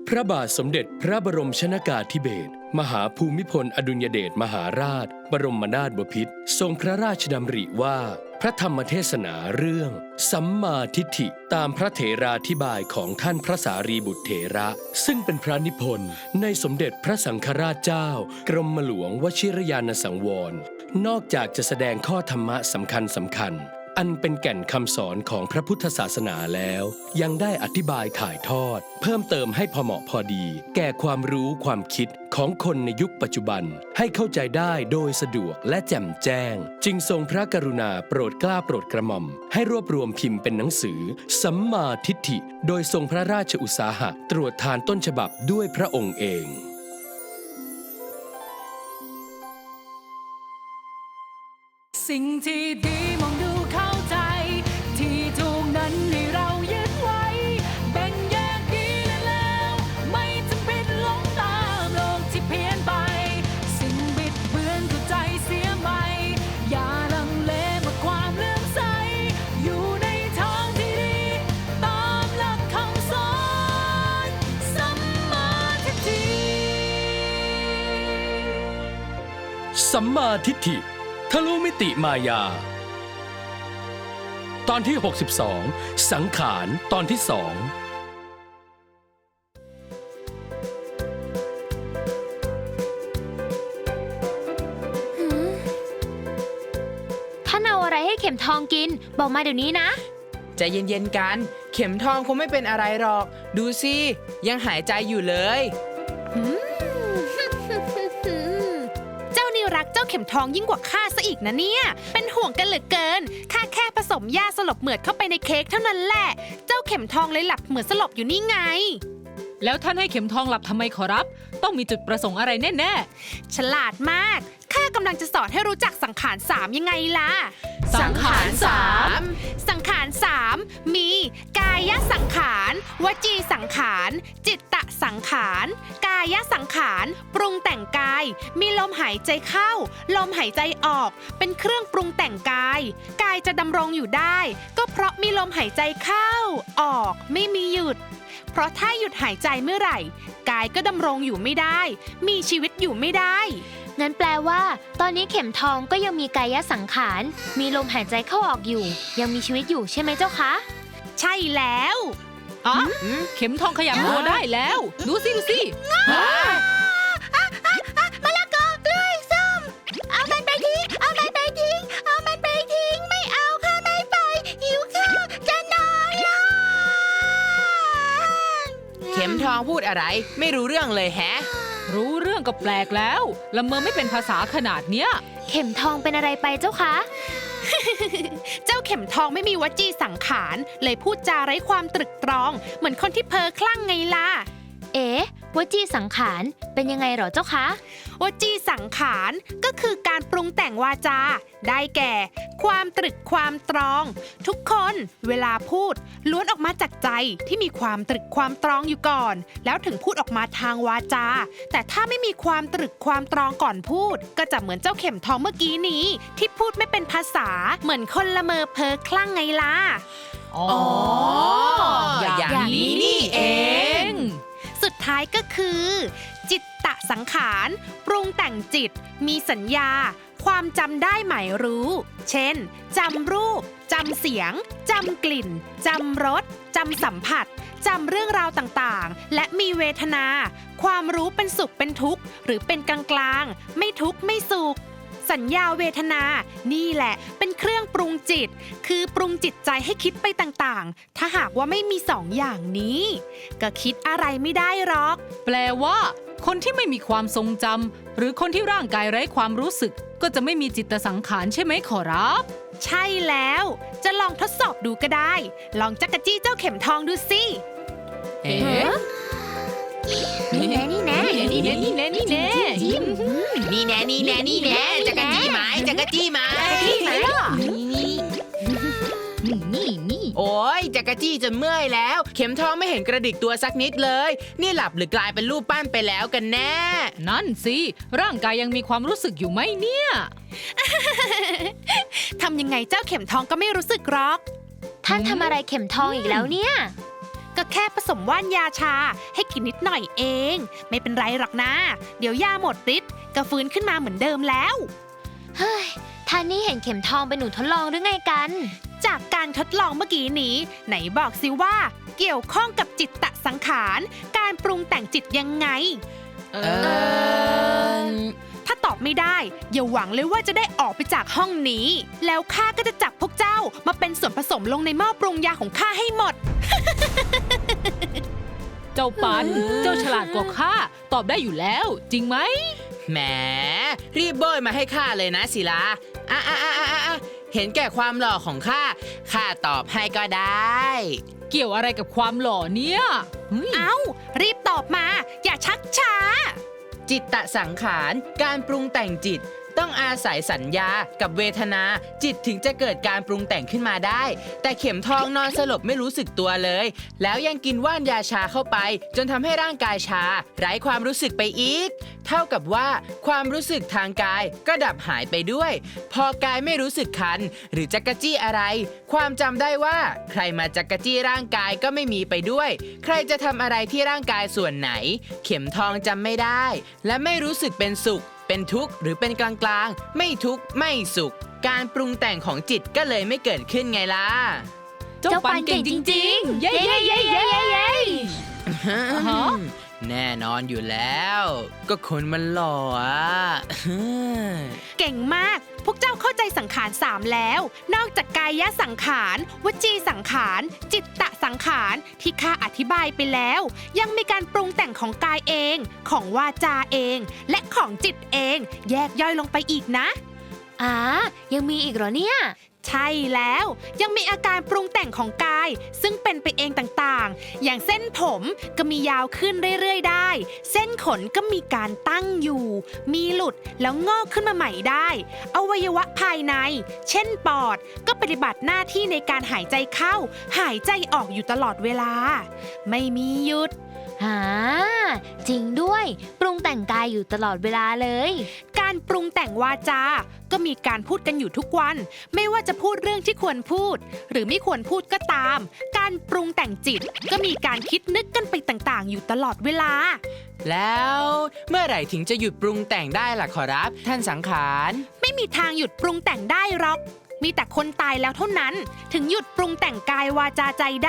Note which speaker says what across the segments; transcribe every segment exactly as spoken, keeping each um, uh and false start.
Speaker 1: พระบาทสมเด็จพระบรมชนกาธิเบศรมหาภูมิพลอดุลยเดชมหาราชบรมนาถบพิตรทรงพระราชดำริว่าพระธรรมเทศนาเรื่องสัมมาทิฏฐิตามพระเถราธิบายของท่านพระสารีบุตรเถระซึ่งเป็นพระนิพนธ์ในสมเด็จพระสังฆราชเจ้ากรมหลวงวชิรยานสังวรนอกจากจะแสดงข้อธรรมะสำคัญสำคัญอันเป็นแก่นคำสอนของพระพุทธศาสนาแล้วยังได้อธิบายถ่ายทอดเพิ่มเติมให้พอเหมาะพอดีแก่ความรู้ความคิดของคนในยุคปัจจุบันให้เข้าใจได้โดยสะดวกและแจ่มแจ้งจึงทรงพระกรุณาโปรดเกล้าโปรดกระหม่อมให้รวบรวมพิมพ์เป็นหนังสือสัมมาทิฏฐิโดยทรงพระราชอุตสาหะตรวจทานต้นฉบับด้วยพระองค์เอง
Speaker 2: สิ่งที่ดีมองดูเข้าใจที่ถูกนั้นให้เรายึดไว้แบ่งแยกดีและแล้วไม่จำเป็นหลงตามโลกที่เพี้ยนไปสิ่งบิดเบือนก็ใจเสียใหม่อย่าลังเลเมื่อความเลื่อมใสอยู่ในทางที่ดีตามหลักคำสอนสัมมาทิฏฐิ
Speaker 1: สัมมาทิฏฐิทะลุมิติมายาตอนที่หกสิบสองสังขารตอนที่สอง
Speaker 3: ท่านเอาอะไรให้เข็มทองกินบอกมาเดี๋ยวนี้นะ
Speaker 4: ใจเย็นๆกันเข็มทองคงไม่เป็นอะไรหรอกดูสิยังหายใจอยู่เลย
Speaker 3: เจ้านี่รักเจ้าเข็มทองยิ่งกว่าข้าซะอีกนะเนี่ยเป็นห่วงกันเหลือเกินข้าแค่ผสมยาสลบเหมือดเข้าไปในเค้กเท่านั้นแหละเจ้าเข็มทองเลยหลับเหมือนสลบอยู่นี่ไง
Speaker 2: แล้วท่านให้เข็มทองหลับทำไมขอรับต้องมีจุดประสงค์อะไรแน่
Speaker 3: ๆฉลาดมากข้ากำลังจะสอนให้รู้จักสังขารสามยังไงล่ะ
Speaker 4: สังขารสาม
Speaker 3: สังขารสามมีกายสังขารวจีสังขารจิตตสังขารกายสังขารปรุงแต่งกายมีลมหายใจเข้าลมหายใจออกเป็นเครื่องปรุงแต่งกายกายจะดำรงอยู่ได้ก็เพราะมีลมหายใจเข้าออกไม่มีหยุดเพราะถ้าหยุดหายใจเมื่อไหร่กายก็ดำรงอยู่ไม่ได้มีชีวิตอยู่ไม่ได้งั้นแปลว่าตอนนี้เข็มทองก็ยังมีกายสังขารมีลมหายใจเข้าออกอยู่ยังมีชีวิตอยู่ใช่ไหมเจ้าคะใช่แล้ว
Speaker 2: อ๋อเข็มทองขยับตัวได้แล้วดูสิดูสิ
Speaker 3: มะละกอกล้วยส้มเอามันไปทิ้งเอามันไปทิ้งเอามันไปทิ้งไม่เอาค่ะไม่ไปหิวข้าวจะนอนแล้ว
Speaker 4: เข็มทองพูดอะไรไม่รู้เรื่องเลยแฮะ
Speaker 2: รู้เรื่องก็แปลกแล้วละเมอไม่เป็นภาษาขนาดเนี้ย
Speaker 3: เข็มทองเป็นอะไรไปเจ้าคะ เจ้าเข็มทองไม่มีวจีสังขารเลยพูดจาไร้ความตรึกตรองเหมือนคนที่เพ้อคลั่งไงล่ะเอ๊ะวจีสังขารเป็นยังไงหรอเจ้าคะวจีสังขารก็คือการปรุงแต่งวาจาได้แก่ความตรึกความตรองทุกคนเวลาพูดล้วนออกมาจากใจที่มีความตรึกความตรองอยู่ก่อนแล้วถึงพูดออกมาทางวาจาแต่ถ้าไม่มีความตรึกความตรองก่อนพูดก็จะเหมือนเจ้าเข็มทองเมื่อกี้นี้ที่พูดไม่เป็นภาษาเหมือนคนละเมอเพ้อคลั่งไงล่ะ
Speaker 4: อ๋ออย่างนี้นี่เอง
Speaker 3: สุดท้ายก็คือจิตตสังขารปรุงแต่งจิตมีสัญญาความจำได้หมายรู้เช่นจำรูปจำเสียงจำกลิ่นจำรสจำสัมผัสจำเรื่องราวต่างๆและมีเวทนาความรู้เป็นสุขเป็นทุกข์หรือเป็นกลางๆไม่ทุกข์ไม่สุขสัญญาเวทนานี่แหละเป็นเครื่องปรุงจิตคือปรุงจิตใจให้คิดไปต่างๆถ้าหากว่าไม่มีสองอย่างนี้ก็คิดอะไรไม่ได้หรอก
Speaker 2: แปลว่าคนที่ไม่มีความทรงจำหรือคนที่ร่างกายไร้ความรู้สึกก็จะไม่มีจิตสังขารใช่ไหมขอรับ
Speaker 3: ใช่แล้วจะลองทดสอบดูก็ได้ลองจักรจี้เจ้าเข็มทองดูสิ
Speaker 4: เอ๊ะ
Speaker 3: นี่แน่นี่แน่
Speaker 2: นี่แน่นี่แน่นี่แน่
Speaker 4: นี่แน่นี่แน่นี่แน่จักรจี้ไหมจักรจี้ไหมนี่นี่โอ้ยจักรจี้จนเมื่อยแล้วเข็มทองไม่เห็นกระดิกตัวสักนิดเลยนี่หลับหรือกลายเป็นรูปปั้นไปแล้วกันแน่
Speaker 2: นั่นสิร่างกายยังมีความรู้สึกอยู่ไหมเนี่ย
Speaker 3: ทำยังไงเจ้าเข็มทองก็ไม่รู้สึกหรอกท่านทำอะไรเข็มทองอีกแล้วเนี่ยก็แค่ผสมว่านยาชาให้กินนิดหน่อยเอง ไม่เป็นไรหรอกนะ เดี๋ยวยาหมดฤทธิ์ก็ฟื้นขึ้นมาเหมือนเดิมแล้ว
Speaker 5: เฮ้ยท่านนี่เห็นเข็มทองเป็นหนูทดลองหรือไงกัน
Speaker 3: จากการทดลองเมื่อกี้นี้ ไหนบอกสิว่าเกี่ยวข้องกับจิตตสังขารการปรุงแต่งจิตยังไง
Speaker 4: เออ
Speaker 3: ถ้าตอบไม่ได้อย่าหวังเลยว่าจะได้ออกไปจากห้องนี้ แล้วข้าก็จะจับพวกเจ้ามาเป็นส่วนผสมลงในหม้อปรุงยาของข้าให้หมด
Speaker 2: เจ้าปัน เจ้าฉลาดกว่าข้าตอบได้อยู่แล้ว จริงไหม
Speaker 4: แหมรีบโบยมาให้ข้าเลยนะศิลาอ่ะอ่ะอ่ะอ่ะอ่ะเห็นแก่ความหล่อของข้าข้าตอบให้ก็ได้
Speaker 2: เกี่ยวอะไรกับความหล่อเนี่ยเฮ้ย
Speaker 3: เอ้า รีบตอบมา อย่าชักช้า
Speaker 4: จิตตสังขารการปรุงแต่งจิต ต้องอาศัยสัญญากับเวทนา จิตถึงจะเกิดการปรุงแต่งขึ้นมาได้ แต่เข็มทองนอนสลบไม่รู้สึกตัวเลย แล้วยังกินว่านยาชาเข้าไป จนทำให้ร่างกายชา ไร้ความรู้สึกไปอีก เท่ากับว่าความรู้สึกทางกายก็ดับหายไปด้วย พอกายไม่รู้สึกคัน หรือจักรจี้อะไร ความจำได้ว่าใครมาจักรจี้ร่างกายก็ไม่มีไปด้วย ใครจะทำอะไรที่ร่างกายส่วนไหน เข็มทองจำไม่ได้ และไม่รู้สึกเป็นสุข เป็นทุกข์หรือเป็นกลางๆ ไม่ทุกข์ไม่สุข การปรุงแต่งของจิตก็เลยไม่เกิดขึ้นไงล่ะ
Speaker 2: เจ้าปันเก่งจริงๆ เย้เย้เย้เย้เย้ ฮะ
Speaker 4: แน่นอนอยู่แล้ว ก็คนมันหล่ออ่ะ
Speaker 3: เก่งมาก พวกเจ้าเข้าใจสังขารสามแล้ว นอกจากกายสังขารวจีสังขาร จิตตสังขารที่ข้าอธิบายไปแล้ว ยังมีการปรุงแต่งของกายเอง ของวาจาเอง และของจิตเอง แยกย่อยลงไปอีกนะ
Speaker 5: อ่ายังมีอีกเหรอเนี่ย
Speaker 3: ใช่แล้วยังมีอาการปรุงแต่งของกาย ซึ่งเป็นไปเองต่างๆ อย่างเส้นผมก็มียาวขึ้นเรื่อยๆได้ เส้นขนก็มีการตั้งอยู่ มีหลุดแล้วงอกขึ้นมาใหม่ได้อวัยวะภายใน เช่นปอดก็ปฏิบัติหน้าที่ในการหายใจเข้า หายใจออกอยู่ตลอดเวลา ไม่มีหยุด
Speaker 5: หาจริงด้วย ปรุงแต่งกายอยู่ตลอดเวลาเลย
Speaker 3: การปรุงแต่งวาจา ก็มีการพูดกันอยู่ทุกวัน ไม่ว่าจะพูดเรื่องที่ควรพูด หรือไม่ควรพูดก็ตาม การปรุงแต่งจิต ก็มีการคิดนึกกันไปต่างๆ อยู่ตลอดเวลา
Speaker 4: แล้วเมื่อไหร่ถึงจะหยุดปรุงแต่งได้ล่ะขอรับ ท่านสังขาร
Speaker 3: ไม่มีทางหยุดปรุงแต่งได้หรอก มีแต่คนตายแล้วเท่านั้น ถึงหยุดปรุงแต่งกายวาจาใจได้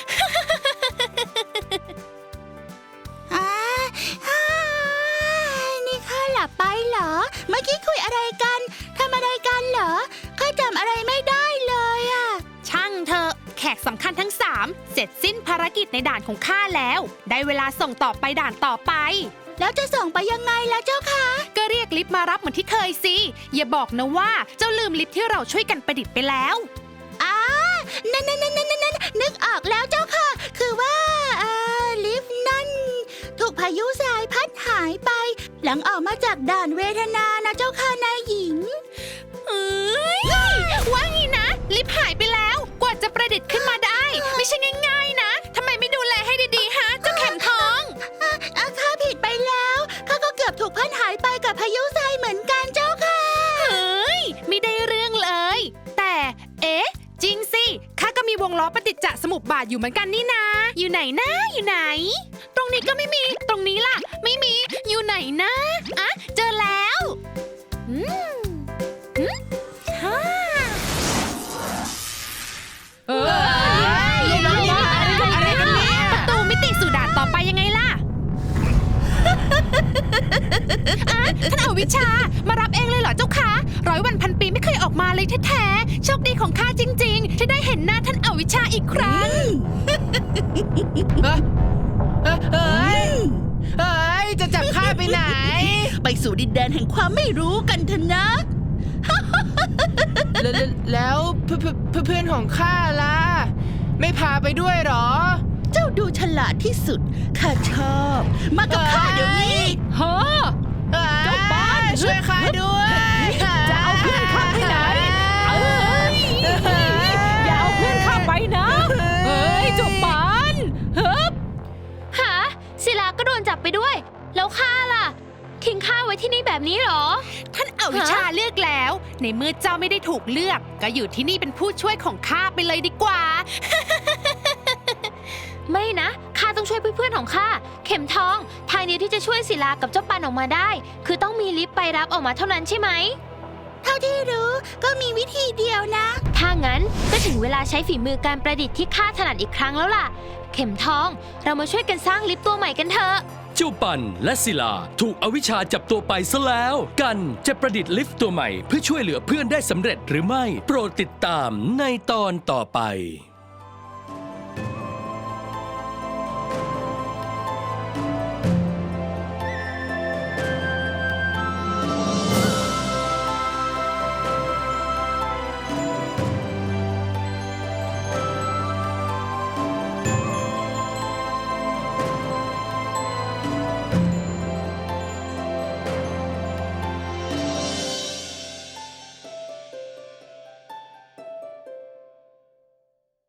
Speaker 6: อ่าอ่านี่ข้าหลับไปเหรอ เมื่อกี้คุยอะไรกัน ทำอะไรกันเหรอ ข้าจำอะไรไม่ได้เลยอะ
Speaker 3: ช่างเถอะแขกสำคัญทั้งสามเสร็จสิ้นภารกิจในด่านของข้าแล้ว ได้เวลาส่งต่อไปด่านต่อไป
Speaker 6: แล้วจะส่งไปยังไงล่ะเจ้าคะ
Speaker 3: ก็เรียกลิฟต์มารับเหมือนที่เคยสิ อย่าบอกนะว่าเจ้าลืมลิฟต์ที่เราช่วยกันประดิษฐ์ไปแล้ว
Speaker 6: อ่านั่นนั่นนั่นนั่นนั่นนึกออกแล้วเจ้าค่ะ คือว่าเอ่อลิฟต์นั่น ถูกพายุทรายพัดหายไป หลังออกมาจากด่านเวทนานะเจ้าค่ะนายหญิง
Speaker 3: เอ้ยว่างี้นะ ลิฟต์หายไปแล้ว กว่าจะประดิษฐ์ขึ้นมาได้ ไม่ใช่ง่ายๆนะทำไมไม่ดูแลให้ดีๆฮะเจ้าเข็มทอง
Speaker 6: อ่ะอ่ะข้าผิดไปแล้วข้าก็เกือบถูกพัดหายไปกับพายุทรายเหมือนกันเจ้าค่ะ
Speaker 3: เฮ้ยไม่ได้เรื่องเลย แต่เอ๊ะจริงสิข้าก็มีวงล้อปฏิจจสมุปบาทอยู่เหมือนกันนี่นา อยู่ไหนนะอยู่ไหน ตรงนี้ก็ไม่มีตรงนี้ล่ะ ไม่มีอยู่ไหนนะอ่ะเจอแล้วอืมอืมฮ่า
Speaker 2: เอออะไรกันเนี่ย
Speaker 3: ประตูมิติสู่ด่านต่อไปยังไงล่ะ อ่ะท่านอวิชชามารับเองเลยเหรอเจ้าคะร้อยวันพันปีไม่เคยออกมาเลยแท้ๆโชคดีของข้าจริงๆที่ได้เห็นหน้าท่านอวิชชาอีกครั้ง
Speaker 4: เอ้ยเอ้ยเอ้ยเอ้ยจะจับข้าไปไหน
Speaker 6: ไปสู่ดินแดนแห่งความไม่รู้กันเถอะนะ
Speaker 4: แล้วแล้วเพื่อนเพื่อนของข้าล่ะ ไม่พาไปด้วยเหรอ
Speaker 6: เจ้าดูฉลาดที่สุด ข้าชอบ มากับข้าเดี๋ยวนี้
Speaker 2: ฮะ เจ้าปาน
Speaker 4: ช่วยข้าด้วย
Speaker 2: จะเอาเพื่อนข้าไปไหนเอ้ยอย่าเอาเพื่อนข้าไปนะเฮ้ยเจ้าปานเฮ้ย
Speaker 5: หาศิลาก็โดนจับไปด้วย แล้วข้าล่ะ ทิ้งข้าไว้ที่นี่แบบนี้เหรอ
Speaker 3: ท่านอวิชชาเลือกแล้ว ในเมื่อเจ้าไม่ได้ถูกเลือก ก็อยู่ที่นี่เป็นผู้ช่วยของข้าไปเลยดีกว่า
Speaker 5: ไม่นะข้าต้องช่วยเพื่อนๆของข้าเข็มทองทางเดียวที่จะช่วยศิลากับเจ้าปันออกมาได้ คือต้องมีลิฟต์ไปรับออกมาเท่านั้นใช่ไหม
Speaker 6: เท่าที่รู้ก็มีวิธีเดียวนะ
Speaker 5: ถ้างั้นก็ถึงเวลาใช้ฝีมือการประดิษฐ์ที่ข้าถนัดอีกครั้งแล้วล่ะ เข็มทองเรามาช่วยกันสร้างลิฟต์ตัวใหม่กันเถอะ
Speaker 1: เจ้าปันและศิลาถูกอวิชชาจับตัวไปซะแล้ว กันจะประดิษฐ์ลิฟต์ตัวใหม่เพื่อช่วยเหลือเพื่อนได้สำเร็จหรือไม่ โปรดติดตามในตอนต่อไป